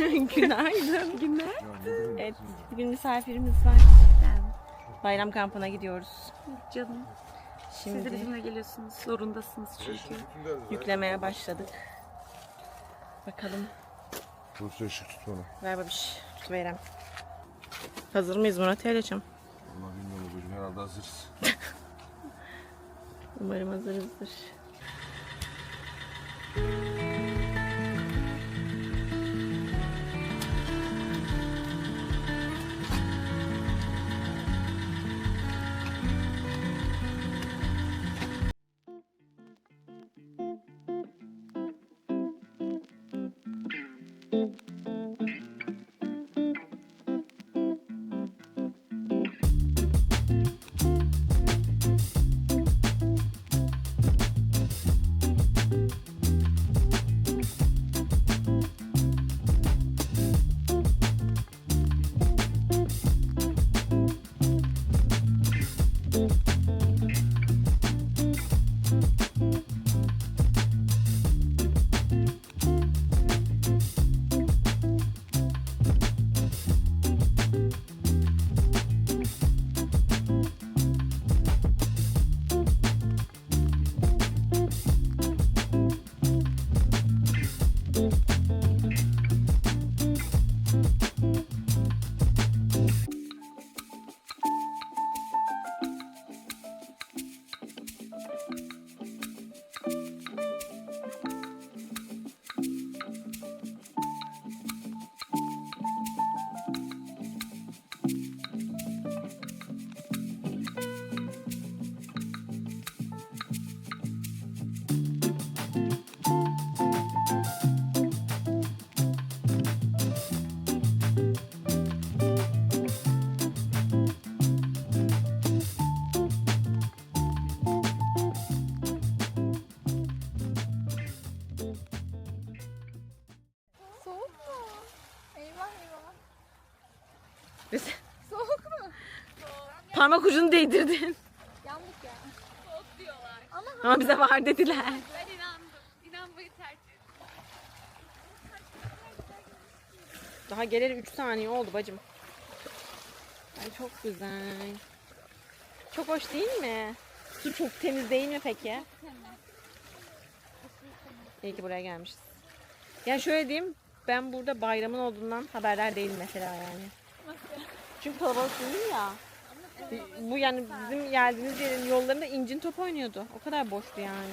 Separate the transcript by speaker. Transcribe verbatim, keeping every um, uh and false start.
Speaker 1: Günaydın. Günaydın. Evet, bugün misafirimiz var.
Speaker 2: Ben.
Speaker 1: Bayram kampına gidiyoruz.
Speaker 2: Canım.
Speaker 1: Şimdi
Speaker 2: Siz de bizimle geliyorsunuz. Zorundasınız çünkü.
Speaker 1: yüklemeye başladık. Bakalım.
Speaker 3: Bursa ışık tut bana.
Speaker 1: Ver babiş. Tutuverem. Hazır mıyız Murat Eyleciğim?
Speaker 3: Vallahi bilmiyorum bugün herhalde hazırız.
Speaker 1: Umarım hazırızdır.
Speaker 4: Soğuk mu? Eyvah eyvah.
Speaker 1: Biz
Speaker 4: Soğuk mu?
Speaker 1: parmak ucunu değdirdin.
Speaker 4: Yandık ya. Soğuk diyorlar. Ama
Speaker 1: Ama bize var dediler.
Speaker 4: ben inandım. İnanmayı tercih ettim.
Speaker 1: Daha geleli üç saniye oldu bacım. Ay çok güzel. Çok hoş değil mi? Su çok temiz değil mi peki? İyi ki buraya gelmişiz. Ya şöyle diyeyim, ben burada bayramın olduğundan haberdar değilim mesela yani. Çünkü kalabalık değil ya. Bu yani bizim geldiğimiz yerin yollarında incin top oynuyordu. O kadar boştu yani.